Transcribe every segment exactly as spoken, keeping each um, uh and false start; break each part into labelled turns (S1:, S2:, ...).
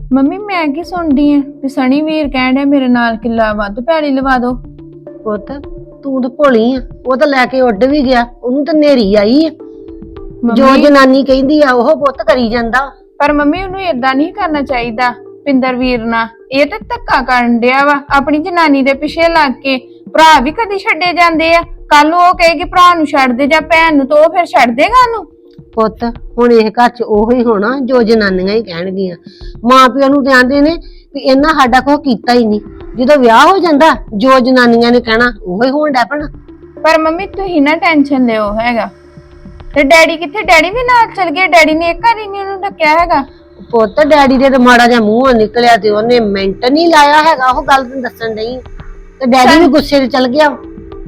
S1: Mummy ਮੈਂ ਕੀ ਸੁਣਦੀ ਆ ਵੀ ਸਣੀ ਵੀਰ ਕਹਿਣ ਡਿਆ ਮੇਰੇ ਨਾਲ ਕਿੱਲਾ ਵੱਧ ਪੈਲੀ ਲਵਾ ਦੋ।
S2: ਪੁੱਤ ਤੂੰ ਤਾਂ ਭੋਲੀ ਆ, ਉਹ ਤਾਂ ਲੈ ਕੇ ਉੱਡ ਵੀ ਗਿਆ, ਉਹਨੂੰ ਤਾਂ ਨੇਰੀ ਆਈ ਆ। ਜੋ ਜਨਾਨੀ ਕਹਿੰਦੀ ਆ ਉਹ ਪੁੱਤ ਕਰੀ ਜਾਂਦਾ।
S1: ਪਰ ਮੰਮੀ ਉਹਨੂੰ ਏਦਾਂ ਨਹੀਂ ਕਰਨਾ ਚਾਹੀਦਾ ਪਿੰਦਰ ਵੀਰ ਨਾਲ। ਇਹ ਤਾਂ ਧੱਕਾ ਕਰਨ ਡਿਆ ਵਾ ਆਪਣੀ ਜਨਾਨੀ ਦੇ ਪਿੱਛੇ ਲੱਗ ਕੇ। ਭਰਾ ਵੀ ਕਦੀ ਛੱਡੇ ਜਾਂਦੇ ਆ, ਕੱਲ ਨੂੰ ਉਹ ਕਹੇਗੀ ਭਰਾ ਨੂੰ ਛੱਡ ਦੇ ਜਾਂ ਭੈਣ ਨੂੰ, ਤਾਂ ਉਹ ਫਿਰ ਛੱਡ ਦੇਗਾ ਉਹਨੂੰ।
S2: ਪੁੱਤ ਹੁਣ ਇਹ ਘਰ ਚ ਉਹੋ ਹੀ ਹੋਣਾ ਜੋ ਜਨਾਨੀਆਂ ਹੀ ਕਹਿਣਗੀਆਂ। ਮਾਂ ਪਿਓ ਨੂੰ ਤੇ ਆਂਦੇ ਨੇ ਵੀ ਇਹਨਾਂ ਸਾਡਾ ਕੁਛ ਕੀਤਾ ਹੀ ਨਹੀਂ, ਜਦੋਂ ਵਿਆਹ ਹੋ ਜਾਂਦਾ ਜੋ ਜਨਾਨੀਆਂ ਨੇ ਕਹਿਣਾ ਉਹੋ ਹੀ ਹੋਣ ਡੈ ਪੈਣਾ।
S1: ਪਰ ਮੰਮੀ ਤੁਸੀਂ ਨਾ ਟੈਨਸ਼ਨ ਲਿਓ ਹੈਗਾ। ਤੇ ਡੈਡੀ ਕਿੱਥੇ? ਡੈਡੀ ਵੀ ਨਾਲ ਚਲ ਗਏ। ਡੈਡੀ ਨੇ ਇੱਕ ਵਾਰੀ ਨਹੀਂ ਉਹਨੂੰ ਡੱਕਿਆ ਹੈਗਾ।
S2: ਪੁੱਤ ਡੈਡੀ ਦੇ ਤੇ ਮਾੜਾ ਜਿਹਾ ਮੂੰਹੋਂ ਨਿਕਲਿਆ ਤੇ ਉਹਨੇ ਮਿੰਟ ਨਹੀਂ ਲਾਇਆ ਹੈਗਾ, ਉਹ ਗੱਲ ਤੈਨੂੰ ਦੱਸਣ ਡਈ। ਤੇ ਡੈਡੀ ਵੀ ਗੁੱਸੇ ਚ ਚਲ ਗਿਆ।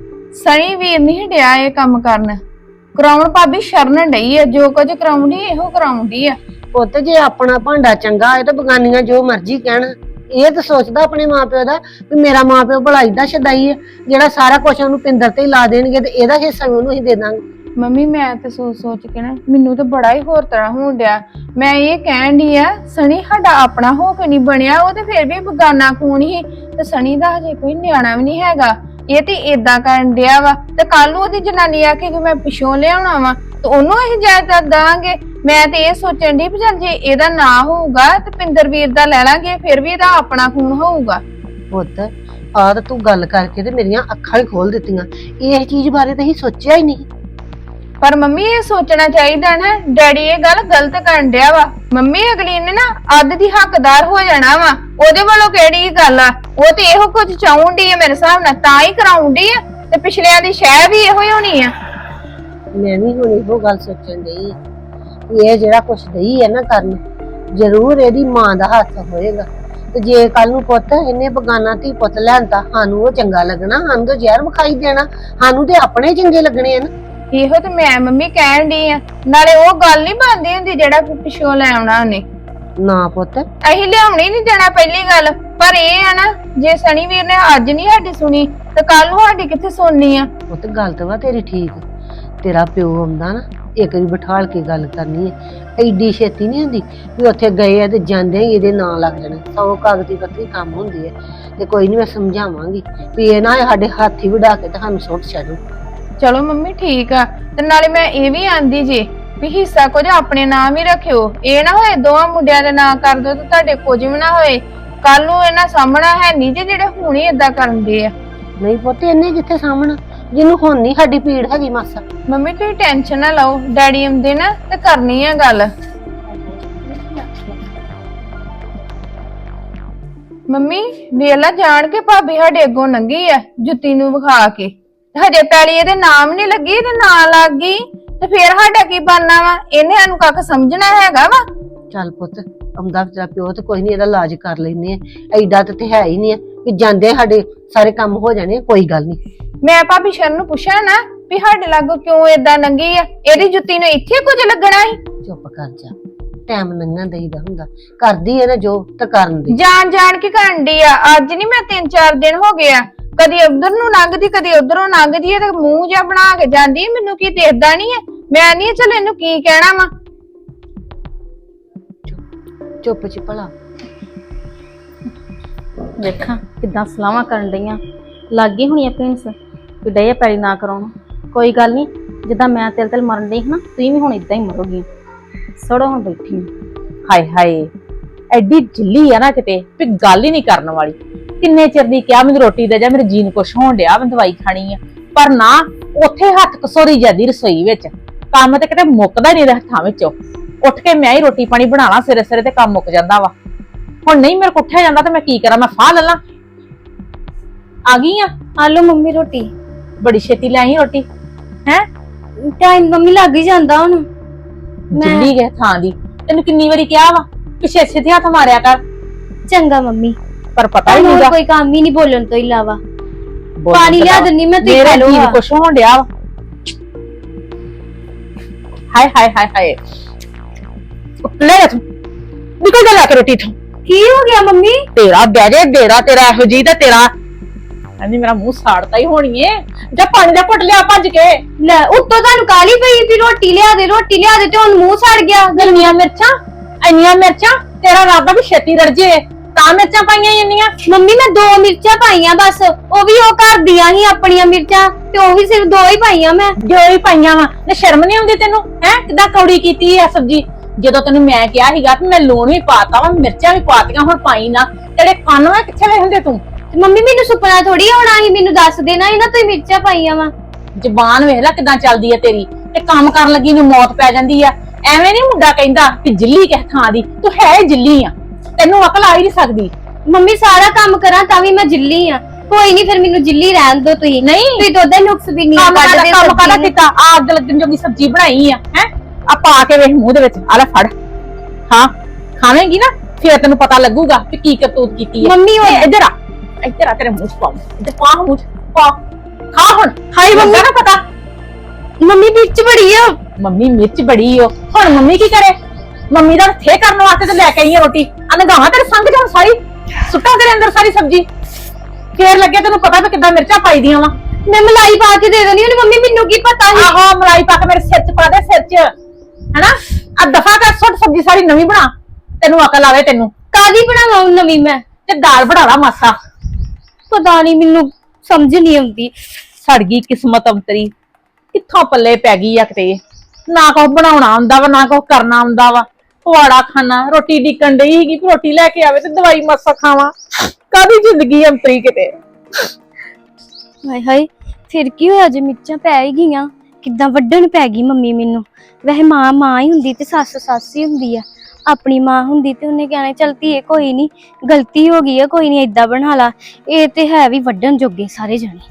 S1: ਸਣੀ ਵੀਰ ਨਹੀਂ ਡਿਆ ਇਹ ਕੰਮ ਕਰਨ, ਕਰਾਉਣ ਭਾਬੀ ਸ਼ਰਨ ਡਈ ਆ। ਜੋ ਕੁਝ ਕਰਾਉਂਦੀ ਇਹੋ ਕਰਾਉਂਦੀ ਆ।
S2: ਪੁੱਤ ਜੇ ਆਪਣਾ ਭਾਂਡਾ ਚੰਗਾ ਹੈ ਤਾਂ ਬਗਾਨੀਆਂ ਜੋ ਮਰਜ਼ੀ ਕਹਿਣ। ਇਹ ਤਾਂ ਸੋਚਦਾ ਆਪਣੇ ਮਾਪਿਓ ਦਾ ਵੀ ਮੇਰਾ ਮਾਪਿਓ ਭਲਾ ਏਡਾ ਛਦਾਈ ਹੈ ਜਿਹੜਾ ਸਾਰਾ ਕੁਝ ਉਹਨੂੰ ਪਿੰਦਰ ਤੇ ਹੀ ਲਾ ਦੇਣਗੇ ਤੇ ਇਹਦਾ ਹਿੱਸਾ ਵੀ ਉਹਨੂੰ ਹੀ ਦੇ ਦਾਂਗੇ।
S1: ਮੰਮੀ ਮੈਂ ਤੇ ਸੋਚ ਸੋਚ ਕੇ ਨਾ ਮੈਨੂੰ ਤਾਂ ਬੜਾ ਹੀ ਹੋਰ ਤਰ੍ਹਾਂ ਹੋਣ ਡਿਆ। ਮੈਂ ਇਹ ਕਹਿਣ ਡਈ ਆ ਸਣੀ ਸਾਡਾ ਆਪਣਾ ਹੋ ਕੇ ਨਹੀਂ ਬਣਿਆ, ਉਹ ਤੇ ਫਿਰ ਵੀ ਬਗਾਨਾ ਖੂਨ ਹੀ। ਤੇ ਸਣੀ ਦਾ ਹਜੇ ਕੋਈ ਨਿਆਣਾ ਵੀ ਨਹੀਂ ਹੈਗਾ। ਇਹ ਤੇ ਏਦਾਂ ਕਰਨ ਡਿਆ ਵਾ ਤੇ ਕੱਲ ਨੂੰ ਉਹਦੀ ਜਨਾਨੀ ਆ ਕੇ ਮੈਂ ਪਿਛੋਂ ਲਿਆਉਣਾ ਵਾ ਤੇ ਉਹਨੂੰ ਅਸੀਂ ਜਾਇਦਾਦ ਦਾਂਗੇ। ਮੈਂ ਤੇ ਇਹ ਸੋਚਣ ਦੀ ਵੀ ਚੱਲ ਜੇ ਇਹਦਾ ਨਾ ਹੋਊਗਾ ਤੇ ਪਿੰਦਰ ਵੀਰ ਦਾ ਲੈ ਲਾਂਗੇ, ਫਿਰ ਵੀ ਇਹਦਾ ਆਪਣਾ ਖੂਨ ਹੋਊਗਾ।
S2: ਪੁੱਤ ਆਹ ਤਾਂ ਤੂੰ ਗੱਲ ਕਰਕੇ ਤੇ ਮੇਰੀਆਂ ਅੱਖਾਂ ਹੀ ਖੋਲ ਦਿੱਤੀਆਂ। ਇਹ ਚੀਜ਼ ਬਾਰੇ ਤਾਂ ਅਸੀਂ ਸੋਚਿਆ ਹੀ ਨਹੀਂ।
S1: ਪਰ ਮੰਮੀ ਇਹ ਸੋਚਣਾ ਚਾਹੀਦਾ ਨਾ, ਡੈਡੀ ਇਹ ਗੱਲ ਗਲਤ ਕਰਨ ਡਿਆ ਵਾ। ਮੰਮੀ ਅਗਲੀ ਨੇ ਨਾ ਅੱਧ ਦੀ ਹੱਕਦਾਰ ਹੋ ਜਾਣਾ ਵਾ। ਉਹਦੇ ਵੱਲੋਂ ਕਿਹੜੀ ਗੱਲ ਆ? ਉਹ ਤੇ ਇਹੋ ਕੁਝ ਚਾਹੁੰਦੀ ਆ ਮੇਰੇ ਹਿਸਾਬ ਨਾਲ, ਤਾਂ ਹੀ ਕਰਾਉਂਦੀ ਆ। ਤੇ ਪਿਛਲਿਆਂ ਦੀ ਸ਼ਹਿ ਵੀ ਇਹੋ ਹੀ ਹੋਣੀ ਆ।
S2: ਮੈਂ ਵੀ ਹੁਣ ਇਹੋ ਗੱਲ ਸੋਚਣ ਡਈ ਇਹ ਜਿਹੜਾ ਕੁਛ ਦਈ ਹੈ ਨਾ ਕਰਨ, ਜ਼ਰੂਰ ਇਹਦੀ ਮਾਂ ਦਾ ਹੱਥ ਹੋਏਗਾ। ਤੇ ਜੇ ਕੱਲ ਨੂੰ ਪੁੱਤ ਇਹਨੇ ਬਗਾਨਾ ਧੀ ਪੁੱਤ ਲੈਂਦਾ, ਸਾਨੂੰ ਉਹ ਚੰਗਾ ਲੱਗਣਾ? ਸਾਨੂੰ ਤਾਂ ਜ਼ਹਿਰ ਵਿਖਾਈ ਦੇਣਾ, ਸਾਨੂੰ ਤੇ ਆਪਣੇ ਚੰਗੇ ਲੱਗਣੇ ਆ ਨਾ।
S1: ਇਹੋ ਤੇ ਮੈਂ ਮੰਮੀ ਕਹਿਣ ਡਈ ਆ। ਨਾਲੇ ਉਹ ਗੱਲ ਨਹੀਂ ਬਣਦੀ ਹੁੰਦੀ ਜਿਹੜਾ ਪਿਛੋਂ ਲੈ ਆਉਣਾ ਉਹਨੇ।
S2: ਨਾ ਪੁੱਤ
S1: ਅਸੀਂ ਲਿਆਉਣੀ ਨਹੀਂ ਦੇਣਾ ਪਹਿਲੀ ਗੱਲ। ਪਰ ਇਹ ਆ ਨਾ ਜੇ ਸਣੀ ਵੀਰ ਨੇ ਅੱਜ ਨਹੀਂ ਸਾਡੀ ਸੁਣੀ ਤੇ ਕੱਲ ਨੂੰ ਸਾਡੀ ਕਿੱਥੇ ਸੁਣਨੀ ਆ?
S2: ਪੁੱਤ ਗੱਲ ਤਾਂ ਵਾ ਤੇਰੀ ਠੀਕ। ਤੇਰਾ ਪਿਓ ਆਉਂਦਾ ਨਾ ਇੱਕ ਵਾਰੀ ਬਿਠਾਲ ਕੇ ਗੱਲ ਕਰਨੀ ਹੈ। ਐਡੀ ਛੇਤੀ ਨਹੀਂ ਹੁੰਦੀ ਵੀ ਉੱਥੇ ਗਏ ਆ ਤੇ ਜਾਂਦੇ ਹੀ ਇਹਦੇ ਨਾਂ ਲੱਗ ਜਾਣਾ। ਸੌ ਕਾਗਜ਼ੀ ਪੱਤਰੀ ਕੰਮ ਹੁੰਦੀ ਹੈ। ਤੇ ਕੋਈ ਨਹੀਂ ਮੈਂ ਸਮਝਾਵਾਂਗੀ ਵੀ ਇਹ ਨਾ ਸਾਡੇ ਹੱਥ ਹੀ ਵਢਾ ਕੇ ਤੁਹਾਨੂੰ ਸੁੱਟ ਛੱਡੂ।
S1: ਚਲੋ ਮੰਮੀ ਠੀਕ ਆ। ਤੇ ਨਾਲੇ ਮੈਂ ਇਹ ਵੀ ਆਂਦੀ ਜੇ ਵੀ ਹਿੱਸਾ ਕੁਝ ਆਪਣੇ ਨਾਮ ਹੀ ਰੱਖਿਓ। ਇਹ ਨਾ ਹੋਏ ਦੋਵਾਂ ਮੁੰਡਿਆਂ ਦੇ ਨਾਂ ਕਰ ਦੋ ਤੇ ਤੁਹਾਡੇ ਕੁਝ ਵੀ ਨਾ ਹੋਏ। ਕੱਲ ਨੂੰ ਇਹਨਾਂ ਸਾਹਮਣਾ ਹੈ ਨਹੀਂ ਜੇ ਜਿਹੜੇ ਹੁਣ ਹੀ ਏਦਾਂ ਕਰਦੇ ਆ।
S2: ਨਹੀਂ ਪੁੱਤ ਇਹਨੇ ਕਿੱਥੇ ਸਾਹਮਣਾ, ਜਿਹਨੂੰ ਹੁਣ ਨਹੀਂ ਸਾਡੀ ਪੀੜ ਹੈਗੀ ਮਾਸਾ।
S1: ਮੰਮੀ ਤੁਸੀਂ ਟੈਨਸ਼ਨ ਨਾ ਲਓ, ਡੈਡੀ ਆਉਂਦੇ ਨਾ ਤੇ ਕਰਨੀ ਆ ਗੱਲ। ਮੰਮੀ ਵੇਲਾ ਜਾਣ ਕੇ ਭਾਬੀ ਸਾਡੇ ਅੱਗੋਂ ਲੰਘੀ ਆ ਜੁੱਤੀ ਨੂੰ ਵਿਖਾ ਕੇ। ਹਜੇ ਪੈਲੀ ਇਹਦੇ ਨਾਮ ਨਹੀਂ ਲੱਗੀ ਤੇ ਨਾਂ ਲੱਗ ਗਈ ਤੇ ਫੇਰ ਸਾਡਾ ਕੀ ਬਣਨਾ ਵਾ? ਇਹਨੇ ਸਾਨੂੰ ਕੱਖ ਸਮਝਣਾ ਹੈਗਾ ਵਾ?
S2: ਚੱਲ ਪੁੱਤ ਆਉਂਦਾ ਤੇਰਾ ਪਿਓ ਤੇ ਕੋਈ ਨਹੀਂ, ਇਹਦਾ ਇਲਾਜ ਕਰ ਲੈਨੇ ਆ। ਐਡਾ ਤੇ ਹੈ ਹੀ ਨਹੀਂ ਕਿ ਜਾਂਦੇ ਸਾਡੇ ਸਾਰੇ ਕੰਮ ਹੋ ਜਾਣੇ। ਕੋਈ ਗੱਲ ਨਹੀਂ।
S1: ਮੈਂ ਭਾਬੀ ਸ਼ਰਨ ਨੂੰ ਪੁੱਛਿਆ ਨਾ ਵੀ ਸਾਡੇ ਲਾਗੋਂ ਕਿਉਂ ਏਦਾਂ ਲੰਘੀ ਆ? ਇਹਦੀ ਜੁੱਤੀ ਨੂੰ ਇੱਥੇ ਕੁਝ ਲੱਗਣਾ ਸੀ?
S2: ਚੁੱਪ ਕਰ ਜਾ, ਟਾਈਮ ਲੰਘਣ ਦੇਈਦਾ ਹੁੰਦਾ। ਕਰਦੀ ਹੈ ਨਾ ਜੋ ਤਾਂ ਕਰਨ ਦੀ।
S1: ਜਾਣ ਜਾਣ ਕੇ ਕਰਨ ਦੀ ਆ। ਅੱਜ ਨਹੀਂ ਮੈਂ ਤਿੰਨ ਚਾਰ ਦਿਨ ਹੋ ਗਏ ਆ, ਕਦੀ ਉਧਰ ਨੂੰ ਲੰਘਦੀ ਕਦੀ ਉਧਰੋਂ ਲੰਘਦੀ ਹੈ ਤੇ ਮੂੰਹ ਜਿਹਾ ਬਣਾ ਕੇ ਜਾਂਦੀ। ਮੈਨੂੰ ਕੀ ਦੇਖਦਾ ਨਹੀਂ ਹੈ? ਮੈਂ ਨਹੀਂ ਚੱਲ ਇਹਨੂੰ ਕੀ ਕਹਿਣਾ ਵਾ।
S2: ਚੁੱਪ ਚ ਭਲਾ
S3: ਦੇਖਾਂ ਕਿੱਦਾਂ ਸਲਾਹਾਂ ਕਰਨ ਡਈਆਂ। ਲੱਗ ਗਈ ਹੋਣੀ ਆ ਭੈਂਸ ਕਿ ਡਏ ਪੈਲੀ ਨਾ ਕਰਾਉਣਾ। ਕੋਈ ਗੱਲ ਨਹੀਂ, ਜਿੱਦਾਂ ਮੈਂ ਤਿਲ ਤਿਲ ਮਰਨ ਡਈ ਨਾ ਤੁਸੀਂ ਵੀ ਹੁਣ ਇਦਾਂ ਹੀ ਮਰੋਗੀ। ਸੜੋ ਹੁਣ ਬੈਠੀ।
S4: ਹਾਏ ਹਾਏ ਐਡੀ ਜਿੱਲੀ ਆ ਨਾ ਕਿਤੇ ਵੀ ਗੱਲ ਹੀ ਨਹੀਂ ਕਰਨ ਵਾਲੀ। ਕਿੰਨੇ ਚਿਰ ਦੀ ਕਿਹਾ ਮੈਨੂੰ ਰੋਟੀ ਦੇ ਜਾ, ਮੇਰੇ ਜੀਨ ਕੁਛ ਹੋਣ ਡਿਆ, ਮੈਂ ਦਵਾਈ ਖਾਣੀ ਆ। ਪਰ ਨਾ ਉੱਥੇ ਹੱਥ ਕਸੋਰੀ ਜਾਂਦੀ ਰਸੋਈ ਵਿੱਚ। ਕੰਮ ਤੇ ਕਿਤੇ ਮੁੱਕਦਾ ਨਹੀਂ ਹੱਥਾਂ ਵਿੱਚੋਂ। ਉੱਠ ਕੇ ਮੈਂ ਹੀ ਰੋਟੀ ਪਾਣੀ ਬਣਾਣਾ ਸਿਰੇ ਸਿਰੇ ਤੇ ਕੰਮ ਮੁੱਕ ਜਾਂਦਾ ਵਾ। ਹੁਣ ਨਹੀਂ ਮੇਰੇ ਕੋਲ ਉੱਠਿਆ ਜਾਂਦਾ ਤੇ ਮੈਂ ਕੀ ਕਰਾਂ? ਮੈਂ ਫਾਹ ਲੈ ਲਾਂ। ਆ ਗਈ ਆ?
S3: ਆ ਲਓ ਮੰਮੀ ਰੋਟੀ।
S4: ਬੜੀ ਛੇਤੀ ਲੈ ਆਈ ਰੋਟੀ। ਹੈ
S3: ਟਾਈਮ ਮੰਮੀ ਲੱਗ ਹੀ ਜਾਂਦਾ ਹੁਣ।
S4: ਜਿੱਲੀ ਗਏ ਥਾਂ ਦੀ। ਤੈਨੂੰ ਕਿੰਨੀ ਵਾਰੀ ਕਿਹਾ ਵਾ ਪਿੱਛੇ ਛੇਤੀ ਹੱਥ ਮਾਰਿਆ ਕਰ।
S3: ਚੰਗਾ ਮੰਮੀ,
S4: ਪਰ ਪਤਾ ਹੀ ਨਹੀਂ
S3: ਕੋਈ ਕੰਮ ਹੀ ਨਹੀਂ ਬੋਲਣ ਤੋਂ ਇਲਾਵਾ। ਪਾਣੀ ਲਿਆ ਦਿੰਨੀ ਮੈਂ, ਤੁਸੀਂ ਖਾ ਲਓ।
S4: ਮੇਰੇ ਜੀਨ ਕੁਛ ਹੋਣ ਡਿਆ ਵਾ। ਹਾਏ ਹਾਏ ਹਾਏ ਹਾਏ ਲੈ ਤੂੰ ਨਿਕਲ ਜਾ ਲੈ ਕੇ ਰੋਟੀ ਤੋਂ।
S3: ਕੀ ਹੋ ਗਿਆ ਮੰਮੀ?
S4: ਤੇਰਾ ਬਹਿ ਜੇ ਦੇਰਾ ਤੇਰਾ ਇਹੋ ਜੀ ਦਾ ਤੇਰਾ। ਹਾਂਜੀ ਮੇਰਾ ਮੂੰਹ ਸਾੜਤਾ ਹੀ ਹੋਣੀ ਏ। ਜਾਂ ਪਾਣੀ ਦਾ ਘੁੱਟ ਲਿਆ ਭੱਜ ਕੇ।
S3: ਲੈ ਉੱਤੋਂ ਤੁਹਾਨੂੰ ਕਾਲੀ ਪਈ ਵੀ ਰੋਟੀ ਲਿਆ ਦੇ ਰੋਟੀ ਲਿਆ ਦੇ ਤੇ ਹੁਣ ਮੂੰਹ ਸੜ ਗਿਆ।
S4: ਇੰਨੀਆਂ ਮਿਰਚਾਂ ਇੰਨੀਆਂ ਮਿਰਚਾਂ ਤੇਰਾ ਇਰਾਦਾ ਵੀ ਛੇਤੀ ਰੜ ਜੇ ਤਾਂ ਮਿਰਚਾਂ ਪਾਈਆਂ ਇੰਨੀਆਂ।
S5: ਮੰਮੀ ਮੈਂ ਦੋ ਮਿਰਚਾਂ ਪਾਈਆਂ ਬਸ, ਉਹ ਵੀ ਉਹ ਘਰ ਦੀਆਂ ਹੀ ਆਪਣੀਆਂ ਮਿਰਚਾਂ, ਤੇ ਉਹ ਵੀ ਸਿਰਫ ਦੋ ਹੀ ਪਾਈਆਂ ਮੈਂ।
S4: ਜੋ ਹੀ ਪਾਈਆਂ ਵਾ ਨੇ ਸ਼ਰਮ ਨਹੀਂ ਆਉਂਦੀ ਤੈਨੂੰ ਹੈ? ਕਿੱਦਾਂ ਕੌੜੀ ਕੀਤੀ ਆ ਸਬਜੀ। ਜਦੋਂ ਤੈਨੂੰ ਮੈਂ ਕਿਹਾ ਸੀਗਾ ਕਿ ਮੈਂ ਲੂਣ ਵੀ ਪਾਤਾ ਵਾ ਮਿਰਚਾਂ ਵੀ ਪਾਤੀਆਂ, ਹੁਣ ਪਾਈ ਨਾ। ਤੇਰੇ ਕੰਨ ਵਾ ਕਿੱਥੇ ਵੇ ਹੁੰਦੇ ਤੂੰ?
S5: ਤੇ ਮੰਮੀ ਮੈਨੂੰ ਸੁਪਨਾ ਥੋੜੀ ਆਉਣਾ ਸੀ, ਮੈਨੂੰ ਦੱਸ ਦੇਣਾ ਸੀ ਨਾ ਤੁਸੀਂ ਮਿਰਚਾਂ ਪਾਈਆਂ ਵਾ।
S4: ਜ਼ਬਾਨ ਵੇਖ ਲੈ ਕਿੱਦਾਂ ਚੱਲਦੀ ਆ ਤੇਰੀ, ਤੇ ਕੰਮ ਕਰਨ ਲੱਗੀ ਨੂੰ ਮੌਤ ਪੈ ਜਾਂਦੀ ਆ। ਐਵੇਂ ਨਹੀਂ ਮੁੰਡਾ ਕਹਿੰਦਾ ਕਿ ਜਿੱਲੀ ਕਿਸ ਥਾਂ ਦੀ, ਤੂੰ ਹੈ ਜਿੱਲੀ ਆ, ਤੈਨੂੰ ਅਕਲ ਆ ਹੀ ਨਹੀਂ ਸਕਦੀ।
S5: ਮੰਮੀ ਸਾਰਾ ਕੰਮ ਕਰਾਂ ਤਾਂ ਵੀ ਮੈਂ ਜਿੱਲੀ ਆ। ਕੋਈ ਨਹੀਂ ਫਿਰ ਮੈਨੂੰ ਜਿੱਲੀ ਰਹਿਣ ਦੋ ਤੁਸੀਂ।
S4: ਨਹੀਂ
S5: ਤੁਸੀਂ ਤਾਂ ਉਹਦਾ ਨੁਕਸ ਵੀ ਨਹੀਂ
S4: ਕੰਮ
S5: ਕੱਢਦੇ।
S4: ਕੰਮ ਕਾਹਦਾ ਕੀਤਾ? ਆ ਅੱਗ ਲੱਗਣ ਜੋਗੀ ਸਬਜ਼ੀ ਬਣਾਈ ਆ ਹੈ, ਆ ਪਾ ਕੇ ਵੇਖ ਮੂੰਹ ਦੇ ਵਿੱਚ, ਆ ਲੈ ਫੜ। ਹਾਂ ਖਾਵੇਂਗੀ ਨਾ ਫਿਰ ਤੈਨੂੰ ਪਤਾ ਲੱਗੂਗਾ ਕਿ ਕੀ ਕਰਤੂਤ ਕੀਤੀ ਹੈ।
S5: ਮੰਮੀ ਉਹ
S4: ਇੱਧਰ ਆ, ਇੱਧਰ ਆ, ਤੇਰੇ ਮੂੰਹ ਚ ਪਾਉਂ, ਇੱਧਰ ਪਾ ਮੂੰਹ ਚ ਪਾ, ਖਾ ਹੁਣ। ਹਾਈ ਮੰਮੀ ਨਾ ਪਤਾ
S5: ਮੰਮੀ ਵਿੱਚ ਬੜੀ ਆ।
S4: ਮੰਮੀ ਮਿਰਚ ਬੜੀ ਓ। ਹੁਣ ਮੰਮੀ ਕੀ ਕਰੇ? ਮੰਮੀ ਦਾ ਥੇ ਕਰਨ ਵਾਸਤੇ ਤੇ ਲੈ ਕੇ ਆਈ ਆ ਰੋਟੀ। ਅਨਗਾਵਾਂ ਤੇਰੇ ਸੰਗ ਜਾਣ ਸਾਰੀ, ਸੁੱਟਾਂ ਤੇਰੇ ਅੰਦਰ ਸਾਰੀ ਸਬਜ਼ੀ, ਫੇਰ ਲੱਗੇ ਤੈਨੂੰ ਪਤਾ ਵੀ ਕਿੱਦਾਂ ਮਿਰਚਾਂ ਪਾਈ ਦੀਆਂ ਵਾ।
S5: ਮੈਂ ਮਲਾਈ ਪਾ ਕੇ ਦੇ ਦੇਣੀ ਉਹਨੇ। ਮੰਮੀ ਮੈਨੂੰ ਕੀ ਪਤਾ ਸੀ?
S4: ਆਹੋ ਮਲਾਈ ਪਾ ਕੇ ਮੇਰੇ ਸਿਰ ਚ ਪਾ ਦੇ, ਸਿਰ ਚ ਹੈਨਾ। ਆ ਦਫਾ ਕਰ, ਸੁੱਟ ਸਬਜ਼ੀ ਸਾਰੀ ਨਵੀਂ ਬਣਾ, ਤੈਨੂੰ ਅਕਲ ਆਵੇ ਤੈਨੂੰ।
S5: ਕਾਦੀ ਬਣਾਵਾਂ ਹੁਣ ਨਵੀਂ ਮੈਂ?
S4: ਤੇ ਦਾਲ ਬਣਾ ਲਾ ਮਾਸਾ।
S5: ਪਤਾ ਨਹੀਂ ਮੈਨੂੰ ਸਮਝ ਨਹੀਂ ਆਉਂਦੀ।
S4: ਸੜ ਗਈ ਕਿਸਮਤ ਅੰਤਰੀ, ਕਿੱਥੋਂ ਪੱਲੇ ਪੈ ਗਈ ਆ ਕਿਤੇ। ਨਾ ਕੁਛ ਬਣਾਉਣਾ ਆਉਂਦਾ ਵਾ, ਨਾ ਕੁਛ ਕਰਨਾ ਆਉਂਦਾ ਵਾ। ਪਵਾੜਾ ਖਾਣਾ, ਰੋਟੀ ਡਿੱਕਣ ਡਈ ਸੀਗੀ ਕਿ ਰੋਟੀ ਲੈ ਕੇ ਆਵੇ ਤੇ ਦਵਾਈ ਮਾਸਾ ਖਾਵਾਂ। ਕਾਦੀ ਜ਼ਿੰਦਗੀ ਅੰਤਰੀ ਕਿਤੇ।
S5: ਹਾਏ ਹਾਏ, ਫਿਰ ਕੀ ਹੋਇਆ ਜੇ ਮਿਰਚਾਂ ਪੈ ਹੀ ਗਈਆਂ? ਕਿੱਦਾਂ ਵੱਢਣ ਪੈ ਗਈ ਮੰਮੀ ਮੈਨੂੰ। ਵੈਸੇ ਮਾਂ ਮਾਂ ਹੀ ਹੁੰਦੀ ਤੇ ਸੱਸ ਸੱਸ ਹੀ ਹੁੰਦੀ ਆ। ਆਪਣੀ ਮਾਂ ਹੁੰਦੀ ਤੇ ਉਹਨੇ ਕਹਿਣਾ ਚੱਲ ਧੀਏ ਕੋਈ ਨਹੀਂ, ਗਲਤੀ ਹੋ ਗਈ ਆ, ਕੋਈ ਨਹੀਂ ਏਦਾਂ ਬਣਾ ਲਾ। ਇਹ ਤੇ ਹੈ ਵੀ ਵੱਢਣ ਜੋਗੇ ਸਾਰੇ ਜਣੇ।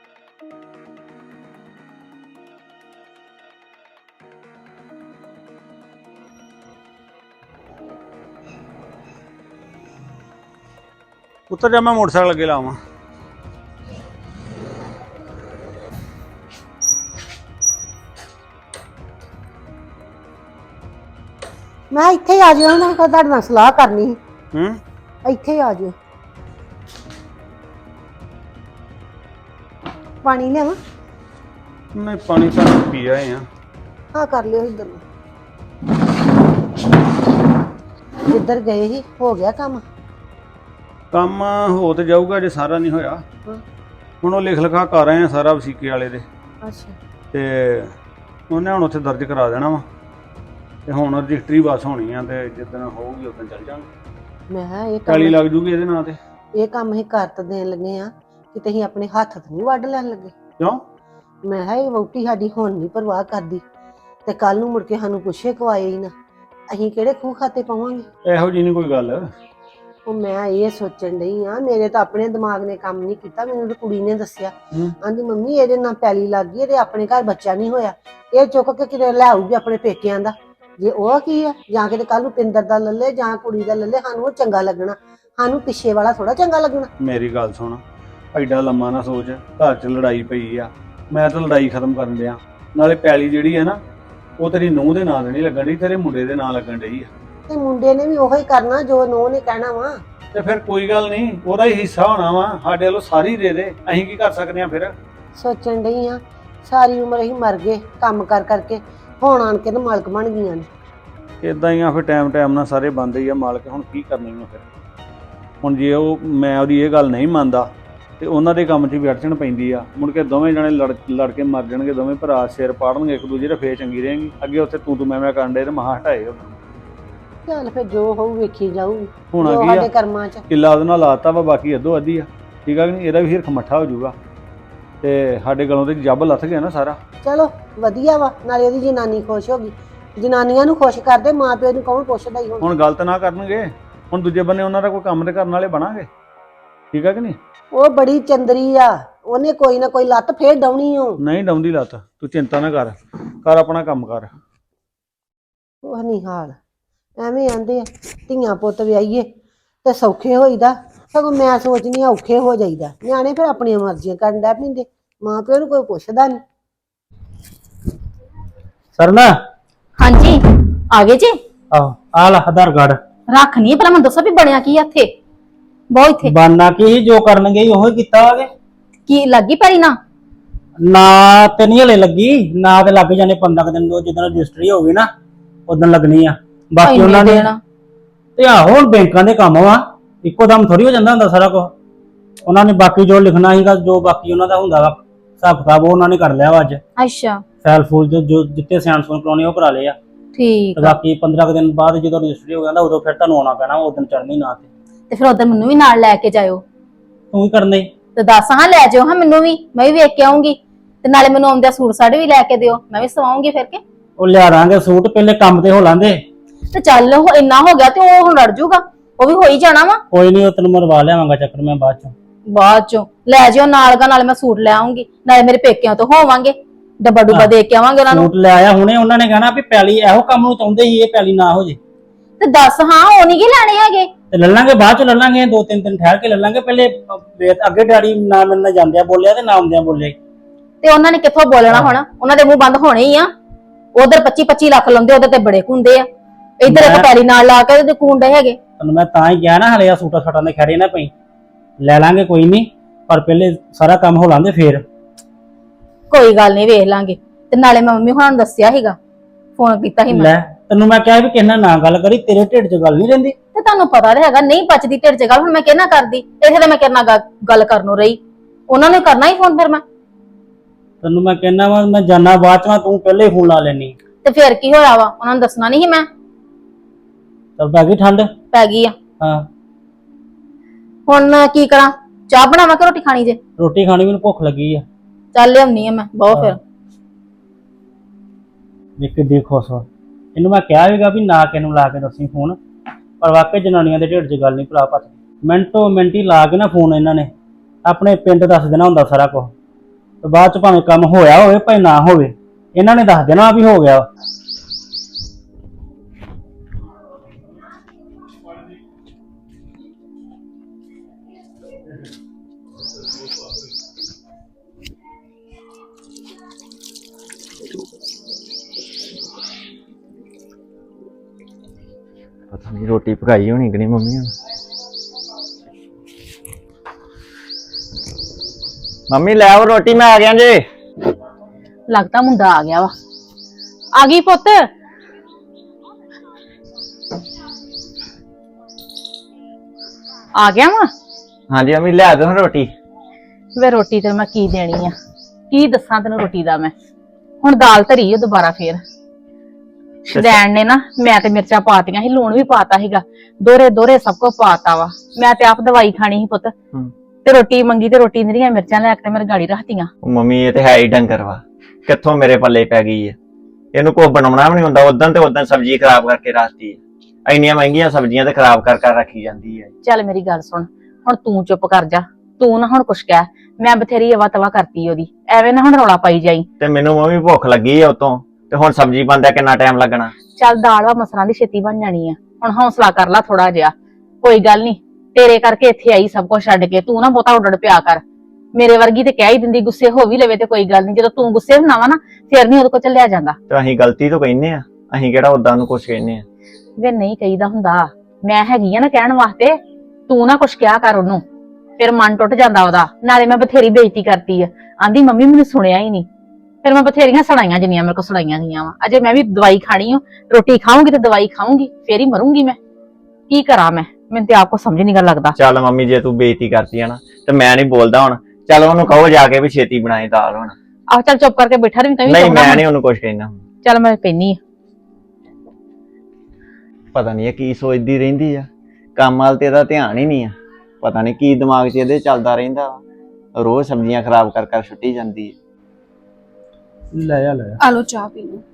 S6: ਉੱਤਰ ਜਾ, ਮੈਂ ਮੋਟਰਸਾਈਕਲ ਅੱਗੇ ਲਾਵਾਂ।
S2: ਮੈਂ ਇੱਥੇ ਹੀ ਆ ਜਾਣਾ, ਨਾ ਤੁਹਾਡੇ ਨਾਲ ਸਲਾਹ ਕਰਨੀ ਸੀ।
S6: ਹੂੰ
S2: ਇੱਥੇ ਹੀ ਆ ਜਾਓ। ਪਾਣੀ ਲਿਆਵਾਂ?
S6: ਨਹੀਂ ਪਾਣੀ ਤਾਂ ਪੀ ਆਏ ਆ।
S2: ਹਾਂ ਕਰ ਲਿਓ ਇੱਧਰ ਨੂੰ। ਜਿੱਧਰ ਗਏ ਸੀ ਹੋ ਗਿਆ ਕੰਮ?
S6: ਕੰਮ ਹੋ ਤੇ ਜਾਊਗਾ, ਜੇ ਸਾਰਾ ਨਹੀਂ ਹੋਇਆ।
S2: ਹਾਂ।
S6: ਹੁਣ ਉਹ ਲਿਖ ਲਿਖਾ ਕਰ ਰਹੇ ਆ ਸਾਰਾ ਵਸੀਕੇ ਵਾਲੇ ਦੇ,
S2: ਅੱਛਾ।
S6: ਤੇ ਉਹਨੇ ਹੁਣ ਉੱਥੇ ਦਰਜ ਕਰਾ ਦੇਣਾ ਵਾ, ਤੇ ਹੁਣ ਰਜਿਸਟਰੀ ਬਸ ਹੋਣੀ ਆ, ਤੇ ਜਿੱਦਣ ਹੋਊਗੀ ਉਦੋਂ ਚੱਲ ਜਾਵਾਂਗੇ।
S2: ਮੈਂ ਕਿਹਾ ਇਹ
S6: ਕਾਲੀ
S2: ਕੰਮ
S6: ਲੱਗ ਜੂਗੀ ਇਹਦੇ ਨਾਂ ਤੇ।
S2: ਇਹ ਕੰਮ ਹੀ ਕਰ ਤਾਂ ਦੇਣ ਲੱਗੇ ਆ ਕਿ ਤੁਸੀਂ ਆਪਣੇ ਹੱਥ ਤੋਂ ਨਹੀਂ ਵੱਢ ਲੈਣ ਲੱਗੇ।
S6: ਕਿਉਂ?
S2: ਮੈਂ ਕਿਹਾ ਇਹ ਵਹੁਟੀ ਸਾਡੀ ਹੁਣ ਨਹੀਂ ਪਰਵਾਹ ਕਰਦੀ, ਤੇ ਕੱਲ ਨੂੰ ਮੁੜ ਕੇ ਸਾਨੂੰ ਪੁੱਛੇ ਕਵਾਏ ਹੀ ਨਾ, ਅਸੀਂ ਕਿਹੜੇ ਖੂਹ ਖਾਤੇ ਪਾਵਾਂਗੇ।
S6: ਇਹੋ ਜਿਹੀ ਨਹੀਂ ਕੋਈ ਗੱਲ।
S2: ਉਹ ਮੈਂ ਇਹ ਸੋਚਣ ਡਈ ਆ, ਮੇਰੇ ਤਾਂ ਆਪਣੇ ਦਿਮਾਗ ਨੇ ਕੰਮ ਨਹੀਂ ਕੀਤਾ, ਮੈਨੂੰ ਤਾਂ ਕੁੜੀ ਨੇ ਦੱਸਿਆ।
S6: ਹੂੰ।
S2: ਆਂਦੀ ਮੰਮੀ ਇਹਦੇ ਨਾਲ ਪੈਲੀ ਲੱਗ ਗਈ, ਇਹਦੇ ਆਪਣੇ ਘਰ ਬੱਚਾ ਨਹੀਂ ਹੋਇਆ, ਇਹ ਚੁੱਕ ਕੇ ਕਿਤੇ ਲੈ ਆਊਗੀ ਆਪਣੇ ਪੇਕਿਆਂ ਦਾ। ਜੇ ਉਹ ਕੀ ਆ, ਜਾਂ ਕਿਤੇ ਕੱਲ ਨੂੰ ਪਿੰਦਰ ਦਾ ਲੱਲੇ ਜਾਂ ਕੁੜੀ ਦਾ ਲੱਲੇ, ਸਾਨੂੰ ਉਹ ਚੰਗਾ ਲੱਗਣਾ, ਸਾਨੂੰ ਪਿੱਛੇ ਵਾਲਾ ਥੋੜਾ ਚੰਗਾ ਲੱਗਣਾ।
S6: ਮੇਰੀ ਗੱਲ ਸੁਣ, ਐਡਾ ਲੰਮਾ ਨਾ ਸੋਚ। ਘਰ 'ਚ ਲੜਾਈ ਪਈ ਆ, ਮੈਂ ਤਾਂ ਲੜਾਈ ਖਤਮ ਕਰਨ ਡਿਆ। ਨਾਲੇ ਪੈਲੀ ਜਿਹੜੀ ਹੈ ਨਾ, ਉਹ ਤੇਰੀ ਨੂੰਹ ਦੇ ਨਾਂ ਤੇ ਨਹੀਂ ਲੱਗਣ ਡਈ, ਤੇਰੇ ਮੁੰਡੇ ਦੇ ਨਾਂ ਲੱਗਣ ਡਈ ਆ।
S2: ਤੇ ਮੁੰਡੇ ਨੇ ਵੀ ਉਹੀ ਕਰਨਾ ਜੋ ਨੂੰਹ ਨੇ ਕਹਿਣਾ ਵਾ।
S6: ਤੇ ਫਿਰ ਕੋਈ ਗੱਲ ਨਹੀਂ, ਉਹਦਾ ਹੀ ਹਿੱਸਾ ਹੋਣਾ ਵਾ, ਸਾਡੇ ਵੱਲੋਂ ਸਾਰੀ ਦੇ ਦੇ, ਅਸੀਂ ਕੀ ਕਰ ਸਕਦੇ ਆ ਫਿਰ।
S2: ਸੋਚਣ ਡਈ ਆ ਸਾਰੀ ਉਮਰ ਅਸੀਂ ਮਰ ਗਏ ਕੰਮ ਕਰ ਕਰਕੇ, ਹੁਣ ਆਣ ਕੇ ਨਾ ਮਾਲਕ ਬਣ ਗਈਆਂ ਨੇ।
S6: ਇਦਾਂ ਹੀ ਆ ਫਿਰ, ਟਾਈਮ ਟਾਈਮ ਨਾਲ ਸਾਰੇ ਬੰਦੇ ਹੀ ਆ ਮਾਲਕ। ਹੁਣ ਕੀ ਕਰਨੀ ਆ ਫਿਰ। ਹੁਣ ਜੇ ਉਹ ਮੈਂ ਉਹਦੀ ਇਹ ਗੱਲ ਨਹੀਂ ਮੰਨਦਾ ਤੇ ਉਹਨਾਂ ਦੇ ਕੰਮ 'ਚ ਵੀ ਅੜਚਣ ਪੈਂਦੀ ਆ, ਮੁੜ ਕੇ ਦੋਵੇਂ ਜਣੇ ਲੜ ਲੜ ਕੇ ਮਰ ਜਾਣਗੇ, ਦੋਵੇਂ ਭਰਾ ਸਿਰ ਪਾੜਨਗੇ ਇੱਕ ਦੂਜੇ ਦੇ, ਫੇਰ ਚੰਗੀ ਰਹੇਗੀ। ਅੱਗੇ ਉੱਥੇ ਤੂੰ ਤੂੰ ਮੈਂ ਮੈਂ ਕਰਨ ਡੇ ਤੇ ਮਹਾ ਹਟਾਏ ਉਹ।
S2: ਚੱਲ ਫਿਰ ਜੋ ਹੋਊ ਵੇਖੀ ਜਾਊ,
S6: ਹੋਣਾ
S2: ਜੋ
S6: ਕੀ
S2: ਸਾਡੇ
S6: ਆ,
S2: ਕਰਮਾਂ 'ਚ।
S6: ਕਿੱਲਾ ਉਹਦੇ ਨਾਲ ਲਾਤਾ ਵਾ, ਬਾਕੀ ਅੱਧੋ ਅੱਧੀ ਆ। ਠੀਕ ਆ ਕਿ ਨਹੀਂ? ਇਹਦਾ ਵੀ ਹਿਰਖ ਮੱਠਾ ਹੋ ਜਾਊਗਾ, ਤੇ ਸਾਡੇ ਗਲੋਂ ਤੇ ਜੱਬ ਲੱਥ ਗਿਆ ਨਾ ਸਾਰਾ।
S2: ਚਲੋ ਵਧੀਆ ਵਾ, ਨਾਲੇ ਉਹਦੀ ਜਨਾਨੀ ਖੁਸ਼ ਹੋ ਗਈ। ਜਨਾਨੀਆਂ ਨੂੰ ਖੁਸ਼ ਕਰਦੇ, ਮਾਂ ਪਿਓ ਨੂੰ ਕੌਣ ਪੁੱਛਦਾ ਹੀ ਹੁਣ।
S6: ਹੁਣ ਗਲਤ ਨਾ ਕਰਨਗੇ, ਹੁਣ ਦੂਜੇ ਬੰਨੇ ਉਹਨਾਂ ਦਾ ਕੋਈ ਕੰਮ ਤੇ ਕਰਨ ਵਾਲੇ ਬਣਾਂਗੇ। ਠੀਕ ਆ ਕਿ ਨਹੀਂ?
S2: ਉਹ ਬੜੀ ਚੰਦਰੀ ਆ, ਉਹਨੇ ਕੋਈ ਨਾ ਕੋਈ ਲੱਤ ਫੇਰ ਡਾਉਣੀ ਓ।
S6: ਨਹੀਂ ਡਾਉਂਦੀ ਲੱਤ, ਤੂੰ ਚਿੰਤਾ ਨਾ ਕਰ, ਕਰ ਆਪਣਾ ਕੰਮ ਕਰ।
S2: ਉਹ ਨਹੀਂ ਹਾਲ, ਐਵੇਂ ਆਂਦੇ ਆ ਧੀਆਂ ਪੁੱਤ ਵਿਆਹੀਏ ਤੇ ਸੌਖੇ ਹੋਈਦਾ, ਸਗੋਂ ਮੈਂ ਸੋਚਨੀ ਆ ਔਖੇ ਹੋ ਜਾਈਦਾ। ਨਿਆਣੇ ਫਿਰ ਆਪਣੀਆਂ ਮਰਜ਼ੀਆਂ ਕਰਨ ਡੈ ਪੈਂਦੇ, ਮਾਂ ਪਿਓ ਨੂੰ ਕੋਈ ਪੁੱਛਦਾ ਨਹੀਂ।
S7: ਸਰਨਾ
S3: ਹਾਂਜੀ ਆ ਗਏ ਜੀ।
S7: ਆਹ ਆ ਲੈ ਆਧਾਰ ਕਾਰਡ।
S3: ਰੱਖ ਨਹੀਂ ਪਹਿਲਾਂ ਮੈਨੂੰ ਦੱਸੋ ਵੀ ਬਣਿਆ ਕੀ ਆ ਇੱਥੇ? ਬਹੁਤ ਇੱਥੇ
S7: ਬਾਨਾ ਕੀ ਜੋ ਕਰਨ ਗਈ ਉਹ ਹੀ ਕੀਤਾ ਵਾਗੇ।
S3: ਕੀ ਲੱਗੀ ਪੈਰੀ ਨਾ?
S7: ਨਾ ਤੇ ਨਹੀਂ ਹਲੇ ਲੱਗੀ, ਨਾ ਤੇ ਲੱਗ ਜਾਣੇ ਪੰਦਰਾਂ ਦਿਨ ਤੋਂ, ਜਦੋਂ ਰਜਿਸਟਰੀ ਹੋ ਗਈ ਨਾ ਉਦੋਂ ਲੱਗਣੀ ਆ। ਬਾਕੀ ਉਹਨਾਂ ਨੇ ਤੇ ਆਹੋ ਹੁਣ ਬੈਂਕਾਂ ਦੇ ਕੰਮ ਵਾ ਇੱਕੋ ਦਮ ਥੋੜੀ ਹੋ ਜਾਂਦਾ ਹੁੰਦਾ ਸਾਰਾ ਕੁਝ। ਉਹਨਾਂ ਨੇ ਬਾਕੀ ਜੋ ਲਿਖਣਾ ਸੀਗਾ, ਜੋ ਬਾਕੀ ਉਹਨਾਂ ਦਾ ਹੁੰਦਾ ਵਾ ਹਿਸਾਬ ਕਿਤਾਬ, ਉਹ ਉਹਨਾਂ ਨੇ ਕਰ ਲਿਆ ਵਾ ਅੱਜ।
S3: ਅੱਛਾ
S7: ਫੈਲ ਫੂਲ ਜੋ ਜੋ ਜਿੱਤੇ ਸਿਆਣ ਸੂਣ ਕਰਾਉਣੇ ਉਹ ਕਰਾ ਲਏ ਆ।
S3: ਠੀਕ
S7: ਤੇ
S3: ਆ।
S7: ਬਾਕੀ ਪੰਦਰਾਂ ਕੁ ਦਿਨ ਬਾਅਦ ਜਦੋਂ ਰਜਿਸਟਰੀ ਹੋ ਜਾਂਦਾ ਉਦੋਂ ਫਿਰ ਤੁਹਾਨੂੰ ਆਉਣਾ ਪੈਣਾ, ਉਸ ਦਿਨ ਚੜ੍ਹਨੀ ਨਾ ਤੇ
S3: ਤੇ ਫਿਰ ਉਧਰ ਮੈਨੂੰ ਵੀ ਨਾਲ ਲੈ ਕੇ ਜਾਇਓ
S7: ਤੂੰ ਹੀ ਕਰਨੇ।
S3: ਤੇ ਦੱਸ ਹਾਂ ਲੈ ਜਾਓ ਹਾਂ ਮੈਨੂੰ ਵੀ, ਮੈਂ ਵੀ ਵੇਖ ਕੇ ਆਉਂਗੀ। ਤੇ ਨਾਲੇ ਮੈਨੂੰ ਆਉਂਦਿਆਂ ਸੂਟ ਸਾੜੇ ਵੀ ਲੈ ਕੇ ਦਿਓ, ਮੈਂ ਵੀ ਸਵਾਉਂਗੀ ਫਿਰ ਕੇ।
S7: ਉਹ ਲਿਆ ਦਾਂਗੇ ਸੂਟ, ਪਹਿਲੇ ਕੰਮ ਤੇ ਹੋ ਲਾਂਦੇ।
S3: ਤੇ ਚੱਲ ਉਹ ਇੰਨਾ ਹੋ ਗਿਆ ਤੇ ਉਹ ਹੁਣ ਰੜ ਜੂਗਾ, ਉਹ ਵੀ ਹੋ ਹੀ ਜਾਣਾ ਵਾ।
S7: ਕੋਈ ਨਹੀਂ, ਉਹ ਤੈਨੂੰ ਮਰਵਾ ਲਿਆਵਾਂਗਾ ਚੱਕਰ ਮੈਂ ਬਾਅਦ ਚੋਂ।
S3: ਬਾਅਦ ਚੋਂ ਲੈ ਜਿਓ ਨਾਲ ਗਾ, ਨਾਲੇ ਮੈਂ ਸੂਟ ਲੈ ਆਉਂਗੀ, ਨਾਲੇ ਮੇਰੇ ਪੇਕਿਆਂ ਤੋਂ ਹੋਵਾਂਗੇ, ਡੱਬਾ ਡੁੱਬਾ ਦੇ ਕੇ ਆਵਾਂਗੇ ਉਹਨਾਂ ਨੂੰ।
S7: ਸੂਟ ਲੈ ਆਇਆ ਹੁਣੇ, ਉਹਨਾਂ ਨੇ ਕਹਿਣਾ ਵੀ ਪੈਲੀ ਇਹੋ ਕੰਮ ਨੂੰ ਚਾਹੁੰਦੇ ਸੀ, ਇਹ ਪੈਲੀ ਨਾ ਹੋ ਜੇ।
S3: ਤੇ ਦੱਸ ਹਾਂ ਉਹ ਨਹੀਂ ਕੀ ਲੈਣੇ ਹੈਗੇ।
S7: ਤੇ ਲੈ ਲਾਂਗੇ ਬਾਅਦ ਚ, ਲੈ ਲਾਂਗੇ ਦੋ ਤਿੰਨ ਦਿਨ ਠਹਿਰ ਕੇ ਲੈ ਲਾਂਗੇ। ਪਹਿਲੇ ਵੇਖ ਅੱਗੇ ਡੈਡੀ ਨਾ ਮੇਰੇ ਨਾਲ ਜਾਂਦਿਆਂ ਬੋਲਿਆ ਤੇ ਨਾ ਆਉਂਦਿਆਂ ਬੋਲੇ।
S3: ਤੇ ਉਹਨਾਂ ਨੇ ਕਿੱਥੋਂ ਬੋਲਣਾ ਹੁਣ, ਉਹਨਾਂ ਦੇ ਮੂੰਹ ਬੰਦ ਹੋਣੇ ਹੀ ਆ। ਉਧਰ ਪੱਚੀ ਪੱਚੀ ਲੱਖ ਲਾਉਂਦੇ, ਉਧਰ ਤੇ ਬੜੇ ਕੁੰਦੇ ਆ। ਇੱਧਰ ਇੱਕ ਪੈਲੀ ਨਾਲ ਲਾ ਕੇ ਤੇ ਕੁੰਡੇ ਹੈਗੇ।
S7: ਤੈਨੂੰ ਮੈਂ ਤਾਂ ਹੀ ਕਿਹਾ ਨਾ ਹਲੇ ਆ ਸੂਟਾਂ ਸਾਟਾਂ ਦੇ ਖੜੇ ਨਾ ਪਈ, ਲੈ ਲਾਂਗੇ ਕੋਈ ਨਹੀਂ, ਪਰ ਪਹਿਲੇ ਸਾਰਾ ਕੰਮ ਹੋ ਲਾਂਦੇ ਫੇਰ।
S3: ਕੋਈ ਗੱਲ ਨਹੀਂ ਵੇਖ ਲਾਂਗੇ। ਤੇ ਨਾਲੇ ਮੈਂ ਮੰਮੀ ਹੁਣਾਂ ਨੂੰ ਦੱਸਿਆ ਸੀਗਾ, ਫੋਨ ਕੀਤਾ ਸੀ ਮੈਂ।
S7: ਲੈ ਤੈਨੂੰ ਮੈਂ ਕਿਹਾ ਵੀ ਕਿਸੇ ਨਾਲ ਨਾ ਗੱਲ ਕਰੀ, ਤੇਰੇ ਢਿੱਡ 'ਚ ਗੱਲ ਨਹੀਂ ਰਹਿੰਦੀ।
S3: ਤੇ ਤੁਹਾਨੂੰ ਪਤਾ ਤਾਂ ਹੈਗਾ ਨਹੀਂ ਪਚਦੀ ਢਿੱਡ 'ਚ ਗੱਲ, ਹੁਣ ਮੈਂ ਕਿਹਨਾਂ ਕਰਦੀ, ਇੱਥੇ ਤੇ ਮੈਂ ਕਿਹਨਾਂ ਗੱਲ ਕਰਨ ਨੂੰ ਰਹੀ, ਉਹਨਾਂ ਨੇ ਕਰਨਾ ਹੀ ਫੋਨ ਫਿਰ ਮੈਂ।
S7: ਤੈਨੂੰ ਮੈਂ ਕਹਿਣਾ ਵਾ ਮੈਂ ਜਾਣਾ ਬਾਅਦ ਚ, ਤੂੰ ਪਹਿਲੇ ਫੋਨ ਲਾ ਲੈਣੀ।
S3: ਤੇ ਫਿਰ ਕੀ ਹੋਇਆ ਵਾ, ਉਹਨਾਂ ਨੂੰ ਦੱਸਣਾ ਨਹੀਂ ਸੀ ਮੈਂ।
S7: ਚੱਲ ਪੈ ਗਈ ਠੰਡ?
S3: ਪੈ ਗਈ ਆ।
S7: ਹਾਂ
S3: ਹੁਣ ਕੀ ਕਰਾਂ, ਚਾਹ ਬਣਾਵਾਂ ਕਿ ਰੋਟੀ ਖਾਣੀ ਜੇ?
S7: ਰੋਟੀ ਖਾਣੀ, ਮੈਨੂੰ ਭੁੱਖ ਲੱਗੀ ਆ।
S3: ਚੱਲ ਲਿਆਉਣੀ ਆ ਮੈਂ, ਬਹੁਤ ਫਿਰ।
S7: ਦੇਖ ਕੇ ਦੇਖ ਖੁਸ਼ ਵਾ। ਇਹਨੂੰ ਮੈਂ ਕਿਹਾ ਵੀਗਾ ਵੀ ਨਾ ਕਿਸੇ ਨੂੰ ਲਾ ਕੇ ਦੱਸੀ ਫੋਨ, ਪਰ ਵਾਕਈ ਜਨਾਨੀਆਂ ਦੇ ਢਿੱਡ 'ਚ ਗੱਲ ਨਹੀਂ ਭਰਾ ਪੱਤ। ਮਿੰਟੋ ਮਿੰਟ ਹੀ ਲਾ ਕੇ ਨਾ ਫੋਨ ਇਹਨਾਂ ਨੇ ਆਪਣੇ ਪਿੰਡ ਦੱਸ ਦੇਣਾ ਹੁੰਦਾ ਸਾਰਾ ਕੁਝ, ਤੇ ਬਾਅਦ ਚ ਭਾਵੇਂ ਕੰਮ ਹੋਇਆ ਹੋਵੇ ਭਾਵੇਂ ਨਾ ਹੋਵੇ, ਇਹਨਾਂ ਨੇ ਦੱਸ ਦੇਣਾ ਵੀ ਹੋ ਗਿਆ।
S8: ਪਤਾ ਨਹੀਂ ਰੋਟੀ ਪਕਾਈ ਹੋਣੀ ਕਿ ਨਹੀਂ ਮੰਮੀ ਹੁਣ। ਮੰਮੀ ਲੈ ਆਓ ਰੋਟੀ, ਮੈਂ ਆ ਗਿਆ ਜੇ।
S4: ਲੱਗਦਾ ਮੁੰਡਾ ਆ ਗਿਆ ਵਾ। ਆ ਗਈ ਪੁੱਤ। ਆ ਗਿਆ ਵਾ।
S8: ਹਾਂਜੀ ਮੰਮੀ ਲੈ ਦੋ ਰੋਟੀ।
S4: ਵੇ ਰੋਟੀ ਤੇ ਮੈਂ ਕੀ ਦੇਣੀ ਆ, ਕੀ ਦੱਸਾਂ ਤੈਨੂੰ ਰੋਟੀ ਦਾ ਮੈਂ। ਹੁਣ ਦਾਲ ਧਰੀ ਓ ਦੁਬਾਰਾ ਫੇਰ। ਸ਼ਦੈਣ ਨੇ ਨਾ, ਮੈਂ ਤੇ ਮਿਰਚਾਂ ਪਾਤੀਆਂ ਸੀ, ਲੂਣ ਵੀ ਪਾਤਾ ਸੀਗਾ, ਦੋਰੇ ਦੋਰੇ ਸਭ ਕੁਝ ਪਾਤਾ ਵਾ। ਮੈਂ ਤੇ ਆਪ ਦਵਾਈ ਖਾਣੀ ਸੀ ਪੁੱਤ, ਤੇ ਰੋਟੀ ਮੰਗੀ ਤੇ ਰੋਟੀ ਦੀਆਂ ਮਿਰਚਾਂ ਲੈ ਕੇ ਮੇਰੇ ਗਾੜੀ ਰੱਖਤੀਆਂ।
S8: ਮੰਮੀ ਇਹ ਤੇ ਹੈ ਹੀ ਡੰਗਰ ਵਾ, ਕਿੱਥੋਂ ਮੇਰੇ ਪੱਲੇ ਪੈ ਗਈ ਹੈ। ਇਹਨੂੰ ਕੁਝ ਬਣਾਉਣਾ ਵੀ ਨਹੀਂ ਹੁੰਦਾ, ਉਦੋਂ ਤੇ ਉਦੋਂ ਸਬਜ਼ੀ ਖਰਾਬ ਕਰਕੇ ਰੱਖਤੀ ਹੈ। ਇੰਨੀਆਂ ਮਹਿੰਗੀਆਂ ਸਬਜ਼ੀਆਂ ਤੇ ਖਰਾਬ ਕਰ ਕਰ ਰੱਖੀ ਜਾਂਦੀ ਹੈ।
S4: ਚੱਲ ਮੇਰੀ ਗੱਲ ਸੁਣ, ਹੁਣ ਤੂੰ ਚੁੱਪ ਕਰ ਜਾ, ਤੂੰ ਨਾ ਹੁਣ ਕੁਛ ਕਹਿ। ਮੈਂ ਬਥੇਰੀ ਅਵਾ ਤਵਾ ਕਰਤੀ ਉਹਦੀ, ਐਵੇਂ ਨਾ ਹੁਣ ਰੌਲਾ ਪਾਈ ਜਾਈ।
S8: ਤੇ ਮੈਨੂੰ ਮੰਮੀ ਭੁੱਖ ਲੱਗੀ ਹੈ ਉਤੋਂ, ਤੇ ਹੁਣ ਸਬਜ਼ੀ ਬਣਦਾ ਕਿੰਨਾ ਟਾਈਮ ਲੱਗਣਾ।
S4: ਚੱਲ ਦਾਲ ਵਾ ਮਸਰਾਂ ਦੀ ਛੇਤੀ ਬਣ ਜਾਣੀ ਆ, ਹੁਣ ਹੌਸਲਾ ਕਰ ਲੈ ਥੋੜਾ ਜਿਹਾ। ਕੋਈ ਗੱਲ ਨਹੀਂ, ਤੇਰੇ ਕਰਕੇ ਇੱਥੇ ਆਈ ਸਭ ਕੁਝ ਛੱਡ ਕੇ, ਤੂੰ ਨਾ ਬਹੁਤਾ ਉੱਡੜ ਪਿਆ ਕਰ। ਮੇਰੇ ਵਰਗੀ ਤੇ ਕਹਿ ਹੀ ਦਿੰਦੀ, ਗੁੱਸੇ ਹੋ ਵੀ ਲਵੇ ਤੇ ਕੋਈ ਗੱਲ ਨਹੀਂ, ਜਦੋਂ ਤੂੰ ਗੁੱਸੇ ਹੁੰਦਾ ਵਾ ਨਾ ਫਿਰ ਨਹੀਂ ਉਹਦੇ ਕੋਲ ਚੱਲਿਆ ਜਾਂਦਾ।
S8: ਤੇ ਅਸੀਂ ਗਲਤੀ ਤੋਂ ਕਹਿੰਨੇ ਆ, ਅਸੀਂ ਕਿਹੜਾ ਉਦਾਂ ਨੂੰ ਕੁਛ ਕਹਿੰਨੇ ਆ।
S4: ਵੇ ਨਹੀਂ ਕਹੀਦਾ ਹੁੰਦਾ, ਮੈਂ ਹੈਗੀ ਆ ਨਾ ਕਹਿਣ ਵਾਸਤੇ, ਤੂੰ ਨਾ ਕੁਛ ਕਿਹਾ ਕਰ ਉਹਨੂੰ, ਫਿਰ ਮਨ ਟੁੱਟ ਜਾਂਦਾ ਉਹਦਾ। ਨਾਲੇ ਮੈਂ ਬਥੇਰੀ ਬੇਇੱਜ਼ਤੀ ਕਰਤੀ ਆ, ਆਂਦੀ ਮੰਮੀ ਮੈਨੂੰ ਸੁਣਿਆ ਹੀ ਨਹੀਂ। ਫਿਰ ਮੈਂ ਬਥੇਰੀਆਂ ਸੁਣਾਈਆਂ ਜਿੰਨੀਆਂ ਮੇਰੇ ਕੋਲ ਸੁਣਾਈਆਂ ਗਈਆਂ ਵਾ। ਅਜੇ ਮੈਂ ਵੀ ਦਵਾਈ ਖਾਣੀ ਓ, ਰੋਟੀ ਖਾਊਂਗੀ ਤੇ ਦਵਾਈ ਖਾਊਂਗੀ, ਫੇਰ ਹੀ ਮਰੂੰਗੀ ਮੈਂ। ਕੀ ਕਰਾਂ ਮੈਂ, ਮੈਨੂੰ ਤੇ ਆਪ ਕੋ ਸਮਝ ਨਹੀਂ ਗਾ ਲੱਗਦਾ।
S8: ਚੱਲ ਮੰਮੀ ਜੇ ਤੂੰ ਬੇਇੱਜ਼ਤੀ ਕਰਤੀ ਆ ਨਾ, ਤੇ ਮੈਂ ਨਹੀਂ ਬੋਲਦਾ ਹੁਣ। ਚੱਲ ਉਹਨੂੰ ਕਹੋ ਜਾ ਕੇ ਵੀ ਛੇਤੀ ਬਣਾਏ ਦਾਲ ਹੁਣ।
S4: ਆਹ ਚੱਲ ਚੁੱਪ ਕਰਕੇ ਬੈਠਾ ਰਹੀ, ਕਹੀਂ
S8: ਨਹੀਂ ਮੈਂ ਨਹੀਂ ਉਹਨੂੰ ਕੁਛ ਕਹਿਣਾ।
S4: ਚੱਲ ਮੈਂ ਪੈਣੀ ਆ।
S8: ਪਤਾ ਨਹੀਂ ਇਹ ਕੀ ਸੋਚਦੀ ਰਹਿੰਦੀ ਆ, ਕੰਮ ਵਾਲ ਤੇ ਇਹਦਾ ਧਿਆਨ ਹੀ ਨਹੀਂ ਆ। ਪਤਾ ਨਹੀਂ ਕੀ ਦਿਮਾਗ 'ਚ ਇਹਦੇ ਚੱਲਦਾ ਰਹਿੰਦਾ, ਰੋਜ਼ ਸਬਜ਼ੀਆਂ ਖਰਾਬ ਕਰ ਕਰ ਸੁੱਟੀ ਜਾਂਦੀ ਹੈ।
S7: ਲੈ ਆ ਲੈ ਆ।
S9: ਆ ਲੋ ਚਾਹ ਪੀ ਲਓ।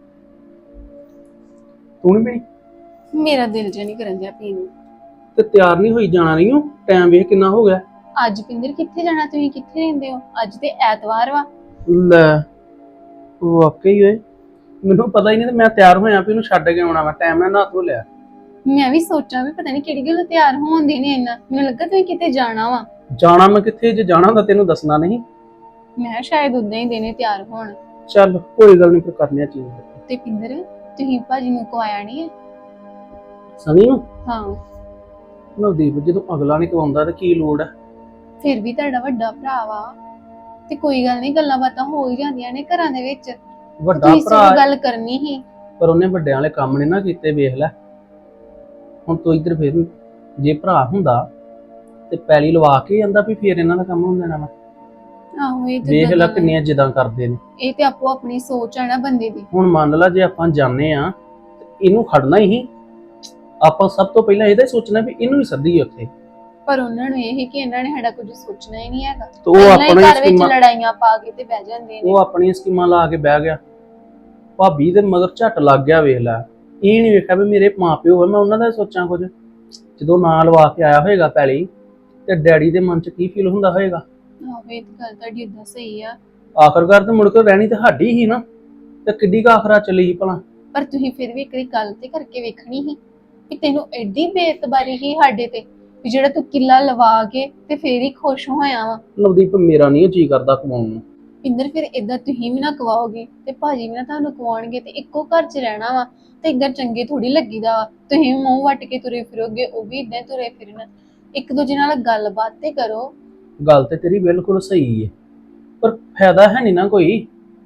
S7: ਤੂੰ ਨਹੀਂ ਪੀਣੀ?
S9: ਮੇਰਾ ਦਿਲ ਜਿਹਾ ਨਹੀਂ ਕਰਨ ਦਿਆ ਪੀਣ ਨੂੰ।
S7: ਤੇ ਤਿਆਰ ਨਹੀਂ ਹੋਈ ਜਾਣਾ ਨਹੀਂ ਹੋ, ਟਾਈਮ ਵੇਖ ਕਿੰਨਾ ਹੋ ਗਿਆ।
S9: ਅੱਜ ਪਿੰਦਰ ਕਿੱਥੇ ਜਾਣਾ, ਤੁਸੀਂ ਕਿੱਥੇ ਰਹਿੰਦੇ ਹੋ? ਅੱਜ ਤੇ ਐਤਵਾਰ ਵਾ।
S7: ਲੈ ਵਾਕਈ ਓਏ, ਮੈਨੂੰ ਪਤਾ ਹੀ ਨਹੀਂ ਤੇ ਮੈਂ ਤਿਆਰ ਹੋਇਆ ਵੀ ਇਹਨੂੰ ਛੱਡ ਕੇ ਆਉਣਾ ਵਾ। ਟਾਈਮ ਨਾਲ ਨਹਾ ਧੋ ਲਿਆ।
S9: ਮੈਂ ਵੀ ਸੋਚਾਂ ਵੀ ਪਤਾ ਨਹੀਂ ਕਿਹੜੀ ਗੱਲ ਤਿਆਰ ਹੋਣ ਦੇ ਨੇ ਇੰਨਾ, ਮੈਨੂੰ ਲੱਗਾ ਤੁਸੀਂ ਕਿਤੇ ਜਾਣਾ ਵਾ।
S7: ਜਾਣਾ ਮੈਂ ਕਿੱਥੇ, ਜੇ ਜਾਣਾ ਹੁੰਦਾ ਤੈਨੂੰ ਦੱਸਣਾ ਨਹੀਂ।
S9: ਮੈਂ ਸ਼ਾਇਦ ਉਦਾਂ ਹੀ ਦੇਣੇ ਤਿਆਰ ਹੋਣ।
S7: ਚੱਲ ਕੋਈ ਗੱਲ ਨਹੀਂ, ਫਿਰ ਕਰਨੇ ਆ ਚੀਜ਼।
S9: ਤੇ ਪਿੰਦਰ ਤੁਸੀਂ ਭਾਜੀ ਨੂੰ ਕਵਾਇਆ ਨਹੀਂ ਹੈ?
S7: ਸਨੀ ਨੂੰ?
S9: ਹਾਂ।
S7: ਨਵਦੀਪ ਜਦੋਂ ਅਗਲਾ ਨਹੀਂ ਕਵਾਉਂਦਾ ਤੇ ਕੀ ਲੋੜ ਹੈ।
S9: ਫਿਰ ਵੀ ਤੁਹਾਡਾ ਵੱਡਾ ਭਰਾ ਵਾ, ਤੇ ਕੋਈ ਗੱਲ ਨਹੀਂ, ਗੱਲਾਂ ਬਾਤਾਂ ਹੋ ਹੀ ਜਾਂਦੀਆਂ ਨੇ ਘਰਾਂ ਦੇ ਵਿੱਚ।
S7: ਵੱਡਾ
S9: ਤੁਸੀਂ
S7: ਭਰਾ
S9: ਸਿਰਫ ਗੱਲ ਕਰਨੀ ਹੀ,
S7: ਪਰ ਉਹਨੇ ਵੱਡਿਆਂ ਵਾਲੇ ਕੰਮ ਨੇ ਨਾ ਕੀਤੇ, ਵੇਖ ਲੈ।
S10: ਹੁਣ ਤੂੰ ਇੱਧਰ ਫਿਰ ਜੇ ਭਰਾ ਹੁੰਦਾ ਤੇ ਪੈਲੀ ਲਵਾ ਕੇ ਜਾਂਦਾ ਵੀ ਫੇਰ ਇਹਨਾਂ ਦਾ ਕੰਮ ਹੁੰਦਾ ਨਾ।
S9: ਆਹੋ ਇਹ ਤੇ
S10: ਵੇਖ ਲੈ
S9: ਗੱਲਾਂ
S10: ਕਿੰਨੀਆਂ ਜਿੱਦਾਂ ਕਰਦੇ ਨੇ।
S9: ਇਹ ਤੇ ਆਪੋ ਆਪਣੀ ਸੋਚ ਆ ਨਾ ਬੰਦੇ ਦੀ।
S10: ਹੁਣ ਮੰਨ ਲਾ ਜੇ ਆਪਾਂ ਜਾਣੇ ਆ ਇਹਨੂੰ ਖੜਨਾ ਹੀ, ਆਪਾਂ ਸਭ ਤੋਂ ਪਹਿਲਾਂ ਇਹਦਾ ਹੀ ਸੋਚਣਾ ਵੀ ਇਹਨੂੰ ਹੀ ਸੱਦੀਏ ਉੱਥੇ।
S9: ਪਰ ਉਹਨਾਂ ਨੂੰ ਇਹ ਕਿ ਇਹਨਾਂ ਨੇ ਸਾਡਾ ਕੁਝ ਸੋਚਣਾ ਹੀ ਨਹੀਂ ਹੈਗਾ।
S10: ਤੇ ਉਹ
S9: ਪਹਿਲਾਂ ਹੀ
S10: ਆਪਣੀ
S9: ਘਰ ਵਿੱਚ
S10: ਸਕੀਮਾਂ
S9: ਲੜਾਈਆਂ ਪਾ ਕੇ ਤੇ ਬਹਿ ਜਾਂਦੇ ਨੇ।
S10: ਉਹ ਆਪਣੀਆਂ ਸਕੀਮਾਂ ਲਾ ਕੇ ਬਹਿ ਗਿਆ। ਭਾਬੀ ਦੇ ਮਗਰ ਝੱਟ ਲੱਗ ਗਿਆ। ਵੇਖ ਲੈ, ਇਹ ਨਹੀਂ ਵੇਖਿਆ ਵੀ ਮੇਰੇ ਮਾਪਿਓ ਆ, ਮੈਂ ਉਹਨਾਂ ਦਾ ਸੋਚਾਂ ਕੁਝ। ਜਦੋਂ ਨਾਂ ਲਵਾ ਕੇ ਆਇਆ ਹੋਏਗਾ ਪੈਲੀ, ਤੇ ਡੈਡੀ ਦੇ ਮਨ 'ਚ ਕੀ ਫੀਲ ਹੁੰਦਾ ਹੋਏਗਾ।
S9: ਆਹੋ ਇਹ ਤੇ ਗੱਲ ਤੁਹਾਡੀ ਏਦਾਂ ਸਹੀ ਆ।
S10: ਆਖਰਕਾਰ ਤੇ ਮੁੜ ਕੇ ਰਹਿਣੀ ਤੇ ਸਾਡੀ ਹੀ ਨਾ, ਤੇ ਕਿੱਡੀ ਕੁ ਆਖਰਾ ਚੱਲੀ ਸੀ ਭਲਾ।
S9: ਪਰ ਤੁਸੀਂ ਫਿਰ ਵੀ ਇੱਕ ਵਾਰੀ ਗੱਲ ਤੇ ਕਰਕੇ ਵੇਖਣੀ ਸੀ ਕਿ ਤੈਨੂੰ ਐਡੀ ਬੇਇੱਤਬਾਰੀ ਹੀ ਸਾਡੇ ਤੇ ਵੀ ਜਿਹੜਾ ਤੂੰ ਕਿੱਲਾ ਲਵਾ ਕੇ ਤੇ ਫੇਰ ਹੀ ਖੁਸ਼ ਹੋਇਆ ਵਾ।
S10: ਨਵਦੀਪ ਮੇਰਾ ਨਹੀਂ ਜੀ ਕਰਦਾ ਕਮਾਉਣ ਨੂੰ।
S9: ਇੰਦਰ ਫਿਰ ਏਦਾਂ ਤੁਸੀਂ ਵੀ ਨਾ ਕਵਾਓਗੇ ਤੇ ਭਾਜੀ ਵੀ ਨਾ ਤੁਹਾਨੂੰ ਕਵਾਉਣਗੇ ਤੇ ਇੱਕੋ ਘਰ 'ਚ ਰਹਿਣਾ ਵਾ ਤੇ ਏਦਾਂ ਚੰਗੇ ਥੋੜੀ ਲੱਗੀਦਾ ਵਾ। ਤੁਸੀਂ ਵੀ ਮੂੰਹ ਵੱਟ ਕੇ ਤੁਰੇ ਫਿਰੋਗੇ, ਉਹ ਵੀ ਏਦਾਂ ਤੁਰੇ ਫਿਰਨ। ਇੱਕ ਦੂਜੇ ਨਾਲ ਗੱਲਬਾਤ ਤੇ ਕਰੋ।
S10: ਗੱਲ ਤੇ ਤੇਰੀ ਬਿਲਕੁਲ ਸਹੀ ਹੈ, ਪਰ ਫਾਇਦਾ ਹੈ ਨਹੀਂ ਨਾ ਕੋਈ।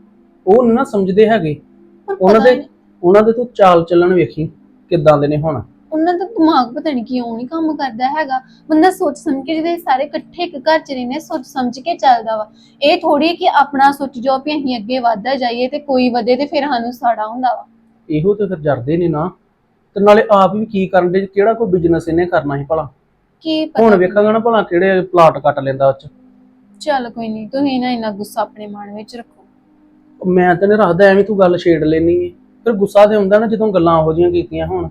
S10: ਉਹ ਨਹੀਂ ਨਾ ਸਮਝਦੇ ਹੈਗੇ।
S9: ਪਰ
S10: ਉਹਨਾਂ
S9: ਪਤਾ
S10: ਦੇ
S9: ਨੀ,
S10: ਉਹਨਾਂ ਦੇ ਤੂੰ ਚਾਲ ਚੱਲਣ ਵੇਖੀ ਕਿੱਦਾਂ ਦੇ ਨੇ ਹੁਣ।
S9: ਉਹਨਾਂ ਦਾ ਦਿਮਾਗ ਪਤਾ ਨਹੀਂ ਕਿਉਂ ਨਹੀਂ ਕੰਮ ਕਰਦਾ ਹੈਗਾ। ਬੰਦਾ ਸੋਚ ਸਮਝ ਕੇ, ਜਿਹਦੇ ਸਾਰੇ ਇਕੱਠੇ ਇੱਕ ਘਰ 'ਚ ਰਹਿੰਦੇ, ਸੋਚ ਸਮਝ ਕੇ ਚੱਲਦਾ ਵਾ। ਇਹ ਥੋੜੀ ਕਿ ਆਪਣਾ ਸੋਚ ਜੋ ਵੀ ਅਸੀਂ ਅੱਗੇ ਵਧਦਾ ਜਾਈਏ ਤੇ ਕੋਈ ਵਧੇ ਤੇ ਫਿਰ ਸਾਨੂੰ ਸਾੜਾ ਹੁੰਦਾ ਵਾ।
S10: ਇਹੋ ਤੇ ਫਿਰ ਜਰਦੇ ਨੇ ਨਾ। ਤੇ ਨਾਲੇ ਆਪ ਵੀ ਕੀ ਕਰਨ ਦੇ, ਕਿਹੜਾ ਕੋਈ ਬਿਜ਼ਨਸ ਇਹਨੇ ਕਰਨਾ ਸੀ ਭਲਾ।
S9: ਕੀ ਪਤਾ
S10: ਹੁਣ ਵੇਖਾਂਗਾ ਨਾ ਭਲਾ ਕਿਹੜੇ ਪਲਾਟ ਕੱਟ ਲੈਂਦਾ ਉਹ 'ਚ।
S9: ਚੱਲ ਕੋਈ ਨਹੀਂ, ਤੁਸੀਂ ਨਾ ਇੰਨਾ ਗੁੱਸਾ ਆਪਣੇ ਮਨ ਵਿੱਚ ਰੱਖੋ।
S10: ਮੈਂ ਤਾਂ ਨਹੀਂ ਰੱਖਦਾ, ਐਵੇਂ ਤੂੰ ਗੱਲ ਛੇੜ ਲੈਣੀ ਹੈ। ਫਿਰ ਗੁੱਸਾ ਤੇ ਹੁੰਦਾ ਨਾ ਜਦੋਂ ਗੱਲਾਂ ਇਹੋ ਜਿਹੀਆਂ ਕੀਤੀਆਂ ਹੋਣ।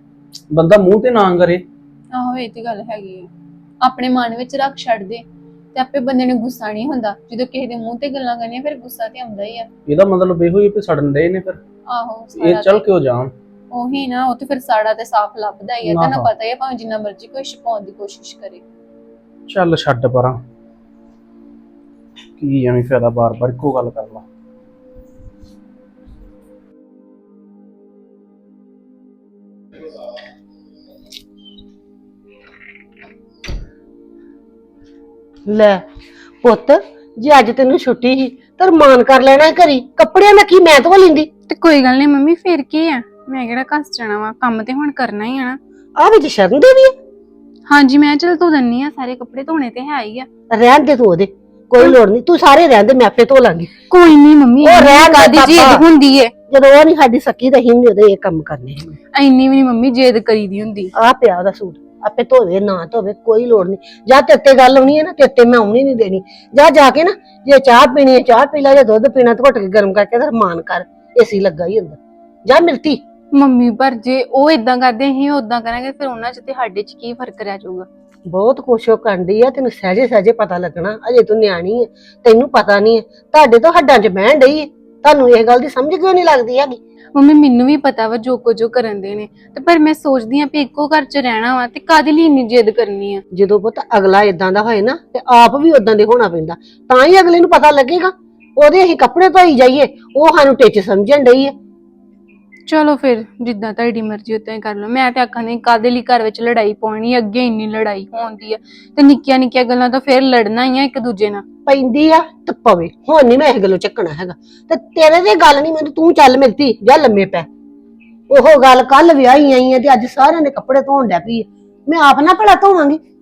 S10: ਬੰਦਾ ਮੂੰਹ ਤੇ ਨਾ ਕਰੇ।
S9: ਆਹੋ ਇਹ ਤੇ ਗੱਲ ਹੈਗੀ ਆ। ਆਪਣੇ ਮਨ ਵਿੱਚ ਰੱਖ ਛੱਡ ਦੇ ਤੇ ਆਪੇ ਬੰਦੇ ਨੂੰ ਗੁੱਸਾ ਨਹੀਂ ਹੁੰਦਾ। ਜਦੋਂ ਕਿਸੇ ਦੇ ਮੂੰਹ ਤੇ ਗੱਲਾਂ ਕਰਨੀਆਂ ਫਿਰ ਗੁੱਸਾ ਤੇ ਆਉਂਦਾ ਹੀ ਆ।
S10: ਇਹਦਾ ਮਤਲਬ ਇਹੋ ਹੀ ਵੀ ਸੜਨ ਦੇ ਨੇ ਫਿਰ।
S9: ਆਹੋ
S10: ਇਹ ਚੱਲ ਕਿਉਂ ਜਾਣ।
S9: ਉਹੀ ਨਾ, ਉਹ ਤੇ ਫਿਰ ਸਾੜਾ ਤੇ ਸਾਫ਼ ਲੱਭਦਾ ਹੀ ਆ। ਤੈਨੂੰ
S10: ਆਹੋ।
S9: ਪਤਾ ਹੀ ਆ, ਭਾਵੇਂ ਜਿੰਨਾ ਮਰਜ਼ੀ ਕੋਈ ਛੁਪਾਉਣ ਦੀ ਕੋਸ਼ਿਸ਼ ਕਰੇ।
S10: ਚੱਲ ਛੱਡ ਪਰਾਂ, ਕੀ ਐਵੇਂ ਫਾਇਦਾ ਬਾਰ-ਬਾਰ ਇੱਕੋ ਗੱਲ ਕਰ ਲਾ।
S2: ਲੈ ਪੁੱਤ, ਜੇ ਅੱਜ ਤੈਨੂੰ ਛੁੱਟੀ ਸੀ ਤਾਂ ਰਮਾਨ ਕਰ ਲੈਣਾ ਘਰੀ। ਕੱਪੜਿਆਂ ਦਾ ਕੀ ਮੈਂ ਧੋ ਲੈਂਦੀ।
S1: ਤੇ ਕੋਈ ਗੱਲ ਨਹੀਂ ਮੰਮੀ, ਫਿਰ ਕੀ ਆ, ਮੈਂ ਕਿਹੜਾ ਘਸ ਜਾਣਾ ਵਾ, ਕੰਮ ਤੇ ਹੁਣ ਕਰਨਾ ਹੀ ਆ ਨਾ।
S2: ਆ ਵਿੱਚ ਸ਼ਰਨ ਦੇ ਵੀ ਆ।
S1: ਹਾਂਜੀ ਮੈਂ ਚਲ ਧੋ ਦਿੰਨੀ ਆ, ਸਾਰੇ ਕੱਪੜੇ ਧੋਣੇ ਤੇ ਹੈ ਹੀ ਆ।
S2: ਰਹਿਣ ਦੇ ਤੂੰ ਉਹਦੇ, ਕੋਈ ਲੋੜ ਨਹੀਂ। ਤੂੰ ਸਾਰੇ ਰਹਿਣ ਦੇ, ਮੈਂ ਆਪੇ ਧੋ ਲਾਂਗੀ।
S1: ਕੋਈ ਨਹੀਂ ਮੰਮੀ,
S2: ਉਹ ਰਹਿਣ ਦੇ
S1: ਕਾਦੀ
S2: ਪਾਪਾ।
S1: ਜਿੱਦ ਹੁੰਦੀ ਏ।
S2: ਜਦੋਂ ਉਹ ਨਹੀਂ ਸਾਡੀ ਸਕੀ ਤਾਂ ਹੀ ਨਹੀਂ ਉਹਦੇ ਇਹ ਕੰਮ ਕਰਨੇ।
S1: ਐਨੀ ਵੀ ਨਹੀਂ ਮੰਮੀ ਜਿੱਦ ਕਰੀਦੀ ਹੁੰਦੀ।
S2: ਆ ਪਿਆ ਉਹਦਾ ਸੂਟ, ਆਪੇ ਧੋਵੇ ਨਾ ਧੋਵੇ ਕੋਈ ਲੋੜ ਨਹੀਂ। ਜਾਂ ਤੇਤੇ ਗੱਲ ਆਉਣੀ ਹੈ ਨਾ, ਤੇਤੇ ਮੈਂ ਆਉਣੀ ਨਹੀਂ ਦੇਣੀ। ਜਾ ਜਾ ਕੇ ਨਾ, ਜੇ ਚਾਹ ਪੀਣੀ ਹੈ ਚਾਹ ਪੀ ਲੈ, ਜਾਂ ਦੁੱਧ ਪੀਣਾ ਤਾਂ ਘੁੱਟ ਕੇ ਗਰਮ ਕਰਕੇ ਤੇ ਰਮਾਨ ਕਰ। ਏਸੀ ਲੱਗਾ ਹੀ ਹੁੰਦਾ। ਜਾ ਮਿਲਤੀ।
S1: ਮੰਮੀ ਪਰ ਜੇ ਉਹ ਇਦਾਂ ਕਰਦੇ ਅਸੀਂ ਉਦਾਂ ਕਰਾਂਗੇ ਫਿਰ ਉਹਨਾਂ 'ਚ ਤੇ ਸਾਡੇ 'ਚ ਕੀ ਫਰਕ ਰਹਿ ਜਾਊਗਾ।
S2: ਬਹੁਤ ਕੁਛ ਉਹ ਕਰਦੀ ਆ, ਤੈਨੂੰ ਸਹਿਜੇ ਸਹਿਜੇ ਪਤਾ ਲੱਗਣਾ। ਅਜੇ ਤੂੰ ਨਿਆਣੀ ਹੈ, ਤੈਨੂੰ ਪਤਾ ਨਹੀਂ ਹੈ। ਤੁਹਾਡੇ ਤੋਂ ਹੱਡਾਂ 'ਚ ਬਹਿਣ ਡਈ ਹੈ, ਤੁਹਾਨੂੰ ਇਹ ਗੱਲ ਦੀ ਸਮਝ ਕਿਉਂ ਨਹੀਂ ਲੱਗਦੀ ਹੈਗੀ।
S1: ਮੰਮੀ ਮੈਨੂੰ ਵੀ ਪਤਾ ਵਾ ਜੋ ਕੁਝ ਉਹ ਕਰਨ ਦੇ ਨੇ, ਤੇ ਪਰ ਮੈਂ ਸੋਚਦੀ ਆ ਵੀ ਇੱਕੋ ਘਰ 'ਚ ਰਹਿਣਾ ਵਾ ਤੇ ਕਾਹਦੇ ਲਈ ਇੰਨੀ ਜਿੱਦ ਕਰਨੀ ਆ।
S2: ਜਦੋਂ ਪੁੱਤ ਅਗਲਾ ਇਦਾਂ ਦਾ ਹੋਏ ਨਾ ਤੇ ਆਪ ਵੀ ਉਦਾਂ ਦੇ ਹੋਣਾ ਪੈਂਦਾ, ਤਾਂ ਹੀ ਅਗਲੇ ਨੂੰ ਪਤਾ ਲੱਗੇਗਾ। ਉਹਦੇ ਅਸੀਂ ਕੱਪੜੇ ਧੋਈ ਜਾਈਏ, ਉਹ ਸਾਨੂੰ ਟਿੱਚ ਸਮਝਣ ਡਈ ਹੈ।
S1: ਚਲੋ ਫਿਰ ਜਿੱਦਾਂ ਤੁਹਾਡੀ ਮਰਜ਼ੀ ਉਦਾਂ ਹੀ ਕਰ ਲਓ। ਮੈਂ ਤੇ ਆਖਾਂ ਨਹੀਂ ਕਾਹਦੇ ਲਈ ਘਰ ਵਿੱਚ ਲੜਾਈ ਪਾਉਣੀ, ਅੱਗੇ ਇੰਨੀ ਲੜਾਈ ਹੁੰਦੀ ਆ ਤੇ ਨਿੱਕੀਆਂ ਨਿੱਕੀਆਂ ਗੱਲਾਂ ਤਾਂ ਫਿਰ ਲੜਨਾ ਹੀ ਆ ਇੱਕ ਦੂਜੇ ਨਾਲ।
S2: ਪੈਂਦੀ ਆ ਤੇ ਪਵੇ, ਹੁਣ ਨਹੀਂ ਮੈਂ ਇਹ ਗੱਲੋਂ ਚੱਕਣਾ ਹੈਗਾ। ਤੇ ਤੇਰੇ ਤੇ ਗੱਲ ਨਹੀਂ, ਮੈਨੂੰ ਤੂੰ ਚੱਲ ਮਿਲਤੀ ਜਾਂ ਲੰਮੇ ਪੈ। ਉਹ ਗੱਲ ਕੱਲ ਵਿਆਹੀ ਆਈ ਆ ਤੇ ਅੱਜ ਸਾਰਿਆਂ ਦੇ ਕੱਪੜੇ ਧੋਣ ਡੈ ਪਈ ਆ। ਮੈਂ ਆਪ ਨਾ ਭਲਾ ਧੋਵਾਂਗੀ।